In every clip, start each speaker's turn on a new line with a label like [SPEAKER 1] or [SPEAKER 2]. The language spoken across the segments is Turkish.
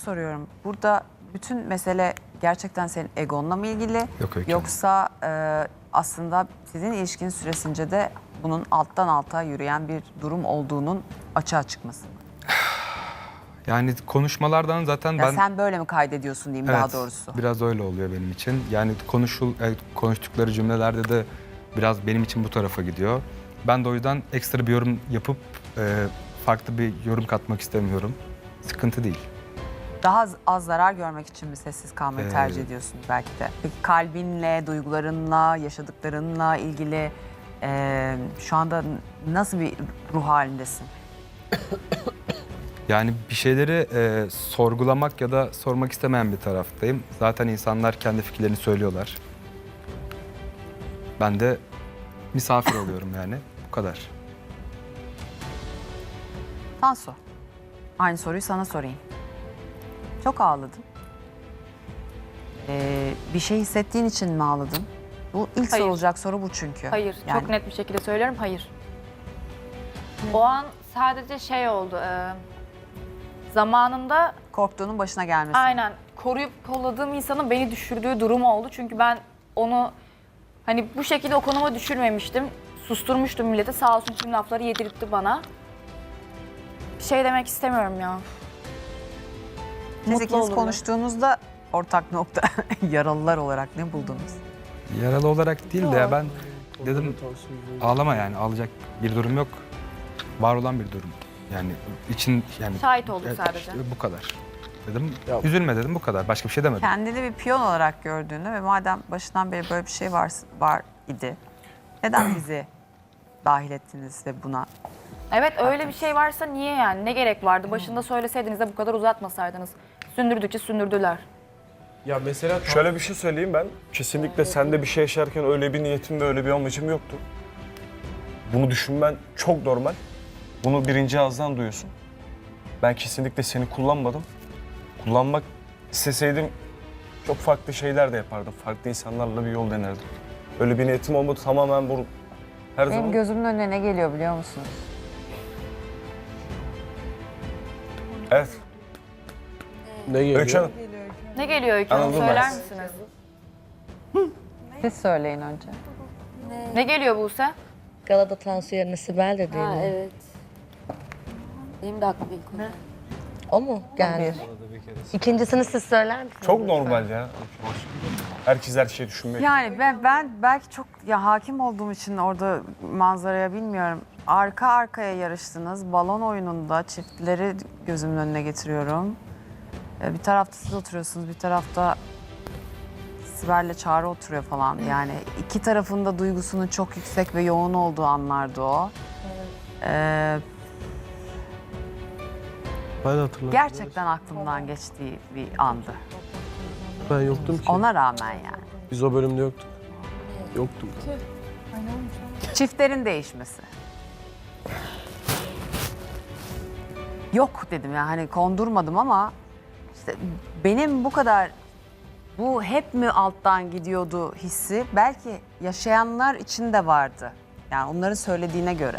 [SPEAKER 1] soruyorum. Burada bütün mesele gerçekten senin egonla mı ilgili?
[SPEAKER 2] Yok, Öykü Hanım.
[SPEAKER 1] Yoksa aslında sizin ilişkin süresince de bunun alttan alta yürüyen bir durum olduğunun açığa çıkması mı?
[SPEAKER 2] Yani konuşmalardan zaten
[SPEAKER 1] Ya
[SPEAKER 2] ben...
[SPEAKER 1] sen böyle mi kaydediyorsun diyeyim daha doğrusu?
[SPEAKER 2] Biraz öyle oluyor benim için. Yani konuştukları cümlelerde de biraz benim için bu tarafa gidiyor. Ben de o yüzden ekstra bir yorum yapıp farklı bir yorum katmak istemiyorum. Sıkıntı değil.
[SPEAKER 1] Daha az zarar görmek için mi sessiz kalmayı tercih ediyorsun belki de? Peki kalbinle, duygularınla, yaşadıklarınla ilgili şu anda nasıl bir ruh halindesin?
[SPEAKER 2] Yani bir şeyleri sorgulamak ya da sormak istemeyen bir taraftayım. Zaten insanlar kendi fikirlerini söylüyorlar. Ben de misafir oluyorum yani. Bu kadar.
[SPEAKER 1] Tansu, aynı soruyu sana sorayım. Çok ağladın. Bir şey hissettiğin için mi ağladın? Bu ilk
[SPEAKER 3] Hayır.
[SPEAKER 1] sorulacak soru bu çünkü.
[SPEAKER 3] Hayır,
[SPEAKER 1] Yani
[SPEAKER 3] çok net bir şekilde söylüyorum, hayır. O an sadece şey oldu, zamanında
[SPEAKER 1] korktuğunun başına gelmesi.
[SPEAKER 3] aynen koruyup kolladığım insanın beni düşürdüğü durum oldu. Çünkü ben onu hani bu şekilde o konuma düşürmemiştim. Susturmuştum millete, sağ olsun tüm lafları yedirtti bana. Bir şey demek istemiyorum ya.
[SPEAKER 1] Siz
[SPEAKER 3] Mutlu
[SPEAKER 1] ikiniz
[SPEAKER 3] olurlar.
[SPEAKER 1] konuştuğunuzda ortak nokta yaralılar olarak ne buldunuz?
[SPEAKER 2] Yaralı olarak değil de ya ben dedim ağlama yani ağlayacak bir durum yok. Var olan bir durum. Yani için yani
[SPEAKER 3] Şahit olduk
[SPEAKER 2] evet,
[SPEAKER 3] sadece.
[SPEAKER 2] işte bu kadar. Dedim
[SPEAKER 4] Ya-
[SPEAKER 2] üzülme dedim bu kadar. Başka bir şey demedim.
[SPEAKER 1] Kendini bir piyon olarak gördüğünü ve madem başından beri böyle bir şey var idi. Neden bizi dahil ettiniz ve buna?
[SPEAKER 3] Evet, öyle bir şey varsa niye yani? Ne gerek vardı? Başında söyleseydiniz de bu kadar uzatmasaydınız. Sündürdükçe sündürdüler.
[SPEAKER 4] Ya mesela
[SPEAKER 5] Şöyle bir şey söyleyeyim ben. Kesinlikle sende bir şey yaşarken öyle bir niyetim ve öyle bir amacım yoktu. Bunu düşünmen çok normal. Bunu birinci ağızdan duyuyorsun. Ben kesinlikle seni kullanmadım. Kullanmak isteseydim çok farklı şeyler de yapardım. Farklı insanlarla bir yol denerdim. Öyle bir niyetim olmadı. Tamamen bu her
[SPEAKER 1] Benim
[SPEAKER 5] zaman...
[SPEAKER 1] gözümün önüne ne geliyor biliyor musunuz?
[SPEAKER 5] Evet.
[SPEAKER 4] ne geliyor?
[SPEAKER 5] Öykü Hanım.
[SPEAKER 3] Ne geliyor Öykü Hanım?
[SPEAKER 5] Anladım ben.
[SPEAKER 3] Söyler misiniz?
[SPEAKER 1] Siz söyleyin önce.
[SPEAKER 3] Ne geliyor Buse?
[SPEAKER 6] Galada Tansu yerine Sibel de değil
[SPEAKER 7] Ha,
[SPEAKER 6] mi?
[SPEAKER 7] evet. Benim de aklıma ilk konu.
[SPEAKER 6] O mu geldi? İkincisini siz söyler misiniz?
[SPEAKER 5] Çok normal ya. Herkes her şeyi düşünmek.
[SPEAKER 1] Yani ben belki çok ya hakim olduğum için orada manzaraya bilmiyorum. Arka arkaya yarıştınız. Balon oyununda çiftleri gözümün önüne getiriyorum. Bir tarafta siz oturuyorsunuz, bir tarafta Sibel'le Çağrı oturuyor falan. Yani iki tarafın da duygusunun çok yüksek ve yoğun olduğu anlardı o.
[SPEAKER 4] Ben hatırladım.
[SPEAKER 1] Gerçekten aklımdan geçtiği bir andı.
[SPEAKER 4] Ben yoktum ki.
[SPEAKER 1] Ona rağmen yani.
[SPEAKER 4] Biz o bölümde yoktuk. Yoktum.
[SPEAKER 1] Çiftlerin değişmesi. Yok dedim ya hani kondurmadım ama işte benim bu kadar bu hep mi alttan gidiyordu hissi belki yaşayanlar için de vardı. Yani onların söylediğine göre.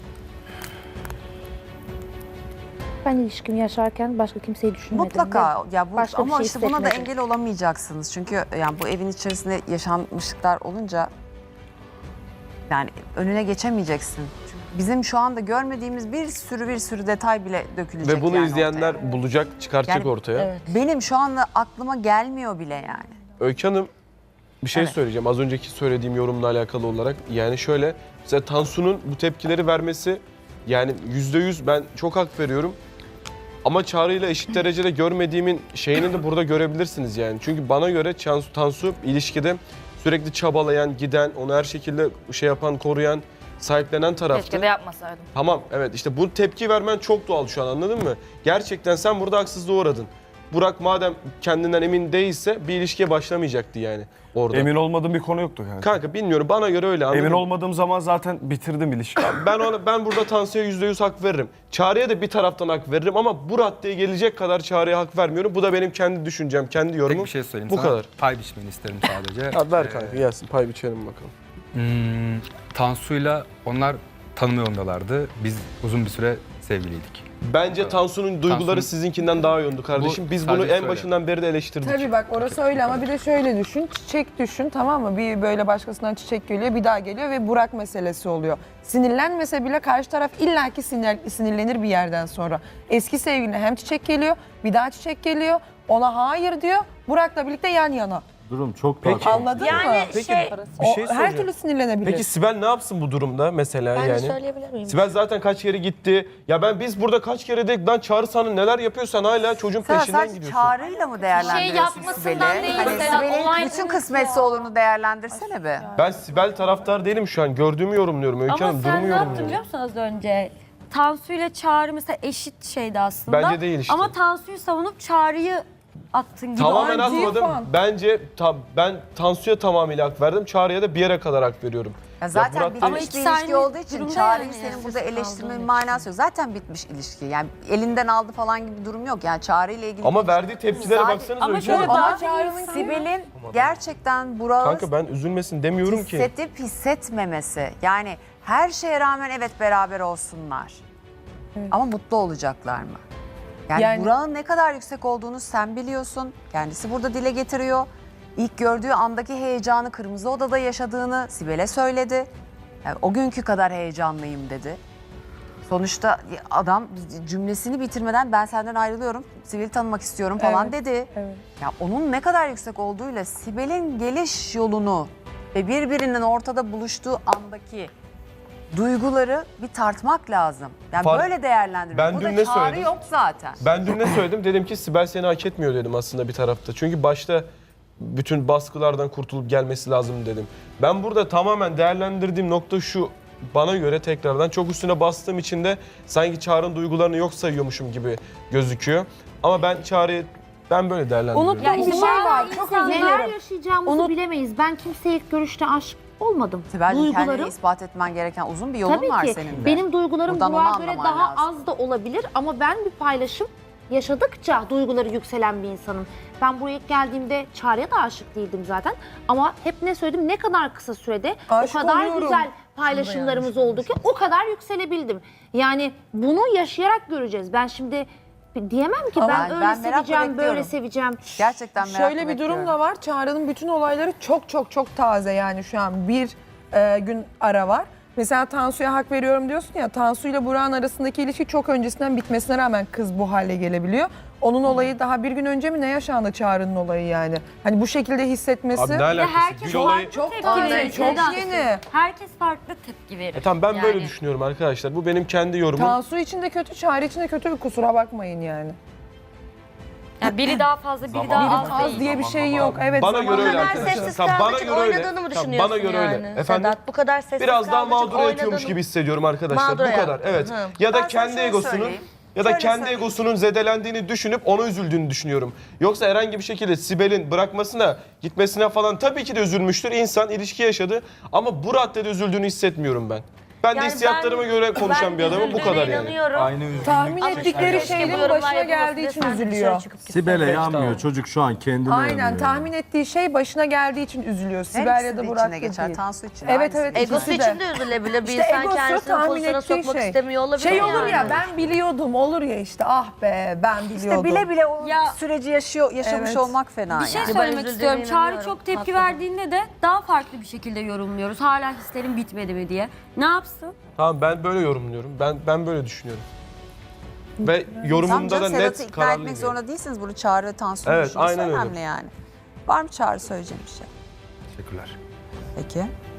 [SPEAKER 8] Ben ilişkimi yaşarken başka kimseyi düşünmedim.
[SPEAKER 1] Mutlaka ya bu
[SPEAKER 8] başka bir
[SPEAKER 1] ama
[SPEAKER 8] şey
[SPEAKER 1] işte buna da
[SPEAKER 8] hissetmedim.
[SPEAKER 1] engel olamayacaksınız. Çünkü yani bu evin içerisinde yaşanmışlıklar olunca yani önüne geçemeyeceksin. Çünkü bizim şu anda görmediğimiz bir sürü detay bile dökülecek
[SPEAKER 4] Ve bunu
[SPEAKER 1] yani
[SPEAKER 4] izleyenler
[SPEAKER 1] ortaya.
[SPEAKER 4] bulacak, çıkartacak
[SPEAKER 1] Yani-
[SPEAKER 4] ortaya.
[SPEAKER 6] Evet.
[SPEAKER 1] Benim şu anda aklıma gelmiyor bile yani.
[SPEAKER 4] Öykü Hanım, bir şey
[SPEAKER 1] Evet.
[SPEAKER 4] söyleyeceğim. Az önceki söylediğim yorumla alakalı olarak. Yani şöyle, mesela Tansu'nun bu tepkileri vermesi, yani %100 ben çok hak veriyorum. Ama Çağrı'yla eşit derecede görmediğimin şeyini de burada görebilirsiniz yani. Çünkü bana göre Tansu ilişkide sürekli çabalayan, giden, onu her şekilde şey yapan, koruyan, sahiplenen taraftı.
[SPEAKER 3] Keşke de yapmasaydım.
[SPEAKER 4] Tamam, evet, işte bu tepki vermen çok doğal şu an, anladın mı? Gerçekten sen burada haksızlığa uğradın. Burak madem kendinden emin değilse bir ilişkiye başlamayacaktı yani orada.
[SPEAKER 5] Emin olmadığım bir konu yoktu yani.
[SPEAKER 4] Kanka bilmiyorum, bana göre öyle, anladın
[SPEAKER 5] Emin
[SPEAKER 4] mı?
[SPEAKER 5] olmadığım zaman zaten bitirdim ilişkiyi.
[SPEAKER 4] Ben burada Tansu'ya %100 hak veririm. Çağrı'ya da bir taraftan hak veririm ama bu raddeye gelecek kadar Çağrı'ya hak vermiyorum. Bu da benim kendi düşüncem, kendi
[SPEAKER 2] Tek
[SPEAKER 4] yorumum.
[SPEAKER 2] bir şey söyleyeyim
[SPEAKER 4] Bu
[SPEAKER 2] sana.
[SPEAKER 4] kadar.
[SPEAKER 2] Pay biçmeni isterim sadece.
[SPEAKER 4] Ya ver kanka, gelsin pay biçelim bakalım.
[SPEAKER 2] Tansu'yla onlar tanıma yolundalardı. Biz uzun bir süre sevgiliydik.
[SPEAKER 4] Bence Tansu'nun duyguları
[SPEAKER 2] Tansu'nun-
[SPEAKER 4] sizinkinden daha yoğundu kardeşim.
[SPEAKER 2] Bu
[SPEAKER 4] Biz bunu
[SPEAKER 2] sadece
[SPEAKER 4] en
[SPEAKER 2] söyle.
[SPEAKER 4] başından beri de eleştirdik.
[SPEAKER 9] Tabii bak orası öyle ama bir de şöyle düşün. Çiçek düşün, tamam mı? Bir böyle başkasından çiçek geliyor, bir daha geliyor ve Burak meselesi oluyor. Sinirlenmese bile karşı taraf illaki sinirlenir bir yerden sonra. Eski sevgiline hem çiçek geliyor, bir daha çiçek geliyor. Ona hayır diyor. Burak'la birlikte yan yana.
[SPEAKER 10] Durum çok
[SPEAKER 4] Peki.
[SPEAKER 10] daha
[SPEAKER 9] Anladın mı?
[SPEAKER 4] Peki
[SPEAKER 9] O,
[SPEAKER 4] bir şey
[SPEAKER 9] her
[SPEAKER 4] soracağım.
[SPEAKER 9] türlü sinirlenebilir.
[SPEAKER 4] Peki Sibel ne yapsın bu durumda mesela
[SPEAKER 6] Ben de
[SPEAKER 4] yani?
[SPEAKER 6] söyleyebilir miyim?
[SPEAKER 4] Sibel zaten kaç kere gitti. Ya biz burada kaç kere dedik lan Çağrı sana neler yapıyorsan hala çocuğun
[SPEAKER 1] Sen
[SPEAKER 4] peşinden
[SPEAKER 1] sadece
[SPEAKER 4] gidiyorsun.
[SPEAKER 1] çağrıyla mı değerlendiriyorsun
[SPEAKER 3] yapmasından
[SPEAKER 1] Sibel'i?
[SPEAKER 3] değil,
[SPEAKER 1] Hani
[SPEAKER 3] mesela
[SPEAKER 1] Sibel'in
[SPEAKER 3] olay-
[SPEAKER 1] bütün kısmetse olurunu değerlendirsene be.
[SPEAKER 4] Ben Sibel taraftar değilim şu an. Gördüğümü yorumluyorum Öykü
[SPEAKER 7] Ama
[SPEAKER 4] Hanım.
[SPEAKER 7] sen
[SPEAKER 4] Durumu
[SPEAKER 7] ne yaptın
[SPEAKER 4] yorumluyorum.
[SPEAKER 7] biliyor musun az önce? Tansu ile Çağrı mesela eşit şeydi aslında.
[SPEAKER 4] Bence değil işte.
[SPEAKER 7] Ama Tansu'yu savunup Çağrı'yı attın gibi.
[SPEAKER 4] Tamamen
[SPEAKER 9] Ay,
[SPEAKER 4] atmadım.
[SPEAKER 9] Tufan.
[SPEAKER 4] Bence ben Tansu'ya tamamıyla hak verdim. Çağrı'ya da bir yere kadar hak veriyorum.
[SPEAKER 1] Ya zaten
[SPEAKER 4] Murat
[SPEAKER 1] bitmiş
[SPEAKER 7] Ama
[SPEAKER 1] bir
[SPEAKER 7] ikisi
[SPEAKER 1] ilişki
[SPEAKER 7] aynı
[SPEAKER 1] olduğu için
[SPEAKER 7] durumda
[SPEAKER 1] Çağrı'yı
[SPEAKER 7] yani,
[SPEAKER 1] senin burada
[SPEAKER 7] sessiz
[SPEAKER 1] eleştirmenin
[SPEAKER 7] kaldığın
[SPEAKER 1] manası yok. Zaten bitmiş ilişki. Yani elinden aldı falan gibi bir durum yok. Yani Çağrı ile ilgili.
[SPEAKER 4] Ama verdiği tepkilere
[SPEAKER 1] Sadece-
[SPEAKER 4] baksanıza
[SPEAKER 3] Ama
[SPEAKER 4] Öykü
[SPEAKER 3] şöyle
[SPEAKER 4] Hanım.
[SPEAKER 9] Ama Çağrı'nın
[SPEAKER 1] Sibel'in gerçekten Burak'ı
[SPEAKER 4] Kanka ben üzülmesin demiyorum ki.
[SPEAKER 1] hissedip hissetmemesi. Yani her şeye rağmen evet beraber olsunlar. Ama mutlu olacaklar mı? Yani Burak'ın ne kadar yüksek olduğunu sen biliyorsun. Kendisi burada dile getiriyor. İlk gördüğü andaki heyecanı Kırmızı Oda'da yaşadığını Sibel'e söyledi. Yani o günkü kadar heyecanlıyım dedi. Sonuçta adam cümlesini bitirmeden ben senden ayrılıyorum, Sibel'i tanımak istiyorum falan dedi.
[SPEAKER 9] Evet.
[SPEAKER 1] Ya onun ne kadar yüksek olduğuyla Sibel'in geliş yolunu ve birbirinin ortada buluştuğu andaki duyguları bir tartmak lazım. Yani
[SPEAKER 4] Fark-
[SPEAKER 1] böyle değerlendirmek.
[SPEAKER 4] Ben
[SPEAKER 1] Burada
[SPEAKER 4] dün ne
[SPEAKER 1] Çağrı
[SPEAKER 4] söyledim?
[SPEAKER 1] yok zaten.
[SPEAKER 4] Ben dün ne söyledim? Dedim ki Sibel seni hak etmiyor dedim aslında bir tarafta. Çünkü başta bütün baskılardan kurtulup gelmesi lazım dedim. Ben burada tamamen değerlendirdiğim nokta şu. Bana göre tekrardan çok üstüne bastığım için de sanki Çağrı'nın duygularını yok sayıyormuşum gibi gözüküyor. Ama ben Çağrı'yı böyle değerlendiriyorum.
[SPEAKER 9] Unuttuğum bir şey var. Çok özür
[SPEAKER 8] Neler
[SPEAKER 9] dilerim.
[SPEAKER 8] yaşayacağımızı bilemeyiz. Ben kimseye ilk görüşte aşık olmadım.
[SPEAKER 1] Sibel'cim kendini
[SPEAKER 8] Duygularım
[SPEAKER 1] ispat etmen gereken uzun bir yolun
[SPEAKER 8] tabii
[SPEAKER 1] var
[SPEAKER 8] ki
[SPEAKER 1] senin de.
[SPEAKER 8] benim duygularım
[SPEAKER 1] Buradan onu
[SPEAKER 8] Burak'a göre
[SPEAKER 1] anlaman
[SPEAKER 8] daha
[SPEAKER 1] lazım.
[SPEAKER 8] az da olabilir ama ben bir paylaşım yaşadıkça duyguları yükselen bir insanım. Ben buraya ilk geldiğimde Çağrı'ya da aşık değildim zaten ama hep ne söyledim, ne kadar kısa sürede
[SPEAKER 9] Aşık
[SPEAKER 8] o kadar
[SPEAKER 9] oluyorum.
[SPEAKER 8] güzel paylaşımlarımız oldu ki o kadar yükselebildim. Yani bunu yaşayarak göreceğiz. Ben şimdi diyemem ki
[SPEAKER 1] Ama
[SPEAKER 8] ben
[SPEAKER 1] ben
[SPEAKER 8] öyle
[SPEAKER 1] merakla
[SPEAKER 8] seveceğim, böyle
[SPEAKER 1] bekliyorum.
[SPEAKER 8] seveceğim.
[SPEAKER 1] Gerçekten merakla
[SPEAKER 9] Şöyle bir durum
[SPEAKER 1] bekliyorum.
[SPEAKER 9] da var. Çağrı'nın bütün olayları çok taze yani şu an bir gün ara var. Mesela Tansu'ya hak veriyorum diyorsun ya, Tansu ile Burak'ın arasındaki ilişki çok öncesinden bitmesine rağmen kız bu hale gelebiliyor. Onun olayı daha bir gün önce mi ne yaşandı Çağrı'nın olayı yani? Hani bu şekilde hissetmesi
[SPEAKER 4] Abi ne alakası?
[SPEAKER 7] herkes
[SPEAKER 4] Gül olayı...
[SPEAKER 9] çok
[SPEAKER 7] tepki
[SPEAKER 9] taze,
[SPEAKER 7] verir.
[SPEAKER 9] çok
[SPEAKER 7] Neden?
[SPEAKER 9] yeni.
[SPEAKER 7] Herkes farklı tepki verir.
[SPEAKER 4] Tamam ben böyle
[SPEAKER 7] Yani.
[SPEAKER 4] düşünüyorum arkadaşlar. Bu benim kendi yorumum.
[SPEAKER 9] Tansu için de kötü, Çağrı için de kötü, kusura bakmayın yani.
[SPEAKER 7] Yani biri daha fazla, biri
[SPEAKER 10] Zaman
[SPEAKER 7] daha
[SPEAKER 10] zaman
[SPEAKER 7] az
[SPEAKER 9] Az
[SPEAKER 7] değil.
[SPEAKER 9] diye bir şey yok. Evet,
[SPEAKER 4] Bana göre öyle
[SPEAKER 6] kadar
[SPEAKER 4] arkadaşlar.
[SPEAKER 6] sessiz
[SPEAKER 4] Tamam,
[SPEAKER 6] kaldığı
[SPEAKER 4] bana
[SPEAKER 6] için
[SPEAKER 4] göre öyle.
[SPEAKER 6] oynadığını mı
[SPEAKER 4] Tamam,
[SPEAKER 6] düşünüyorsun
[SPEAKER 4] bana göre öyle.
[SPEAKER 6] yani?
[SPEAKER 4] Efendim?
[SPEAKER 6] Sedat, bu kadar sessiz
[SPEAKER 4] Biraz daha
[SPEAKER 6] kaldığı için
[SPEAKER 4] mağdur ediyormuş
[SPEAKER 6] oynadığını-
[SPEAKER 4] gibi hissediyorum arkadaşlar.
[SPEAKER 6] Mağdura
[SPEAKER 4] Bu kadar. Evet.
[SPEAKER 6] Hı.
[SPEAKER 4] Ya
[SPEAKER 1] Ben
[SPEAKER 4] da
[SPEAKER 1] sana
[SPEAKER 4] kendi
[SPEAKER 1] şöyle
[SPEAKER 4] egosunun
[SPEAKER 1] söyleyeyim.
[SPEAKER 4] ya da
[SPEAKER 1] Şöyle
[SPEAKER 4] kendi
[SPEAKER 1] söyleyeyim.
[SPEAKER 4] egosunun zedelendiğini düşünüp ona üzüldüğünü düşünüyorum. Yoksa herhangi bir şekilde Sibel'in bırakmasına, gitmesine falan tabii ki de üzülmüştür. İnsan ilişki yaşadı ama bu raddede üzüldüğünü hissetmiyorum ben. Ben de
[SPEAKER 6] Yani
[SPEAKER 4] hissiyatlarıma göre konuşan bir adamım. Bu kadar yani.
[SPEAKER 6] inanıyorum.
[SPEAKER 10] Aynı üzgünlük.
[SPEAKER 9] tahmin ettikleri
[SPEAKER 6] Keşke bu
[SPEAKER 9] şeylerin
[SPEAKER 6] yorumlar
[SPEAKER 9] başına
[SPEAKER 6] yapılması
[SPEAKER 9] geldiği için
[SPEAKER 6] diye sen
[SPEAKER 9] üzülüyor.
[SPEAKER 6] dışarı çıkıp gitsen.
[SPEAKER 10] Sibel'e yanmıyor. Çocuk şu an kendine
[SPEAKER 9] Aynen,
[SPEAKER 10] yanıyor.
[SPEAKER 9] tahmin ettiği şey başına geldiği için üzülüyor.
[SPEAKER 1] Her
[SPEAKER 9] Sibel
[SPEAKER 1] ikisi
[SPEAKER 9] ya
[SPEAKER 1] de
[SPEAKER 9] da Burak
[SPEAKER 1] içine
[SPEAKER 9] da
[SPEAKER 1] geçer.
[SPEAKER 9] değil.
[SPEAKER 1] Tansu için.
[SPEAKER 9] Evet,
[SPEAKER 1] aynısı.
[SPEAKER 9] evet.
[SPEAKER 6] Egosu
[SPEAKER 9] İkisi de.
[SPEAKER 6] için de üzülebilir. Bir
[SPEAKER 9] İşte
[SPEAKER 6] insan
[SPEAKER 9] egosu
[SPEAKER 6] kendisini
[SPEAKER 9] tahmin
[SPEAKER 6] pozisyona
[SPEAKER 9] ettiği
[SPEAKER 6] sokmak
[SPEAKER 9] şey.
[SPEAKER 6] istemiyor olabilir
[SPEAKER 9] Şey olur
[SPEAKER 6] yani.
[SPEAKER 9] ya, ben biliyordum olur ya işte, ah be ben biliyordum.
[SPEAKER 1] İşte bile bile o
[SPEAKER 7] Ya-
[SPEAKER 1] süreci yaşamış
[SPEAKER 9] Evet.
[SPEAKER 1] olmak fena
[SPEAKER 7] Bir şey
[SPEAKER 1] yani.
[SPEAKER 6] Ben
[SPEAKER 7] söylemek
[SPEAKER 6] üzüldüğüne
[SPEAKER 7] istiyorum. Çağrı
[SPEAKER 6] inanıyorum.
[SPEAKER 7] çok tepki
[SPEAKER 6] Haklı.
[SPEAKER 7] verdiğinde de daha farklı bir şekilde yorumluyoruz. Hala hislerim bitmedi mi diye. Ne yapsın?
[SPEAKER 4] Tamam ben böyle yorumluyorum. Ben böyle düşünüyorum. Ve
[SPEAKER 1] Tamam
[SPEAKER 4] yorumumda
[SPEAKER 1] canım,
[SPEAKER 4] da
[SPEAKER 1] Sedat'ı
[SPEAKER 4] net
[SPEAKER 1] ikna
[SPEAKER 4] kararlıyım.
[SPEAKER 1] etmek
[SPEAKER 4] yani.
[SPEAKER 1] zorunda değilsiniz. Bunu Çağrı ve Tansu'nun
[SPEAKER 4] Evet,
[SPEAKER 1] düşünmesi
[SPEAKER 4] aynen öyle.
[SPEAKER 1] önemli yani. Var mı Çağrı söyleyeceğim bir şey?
[SPEAKER 2] Teşekkürler.
[SPEAKER 1] Peki.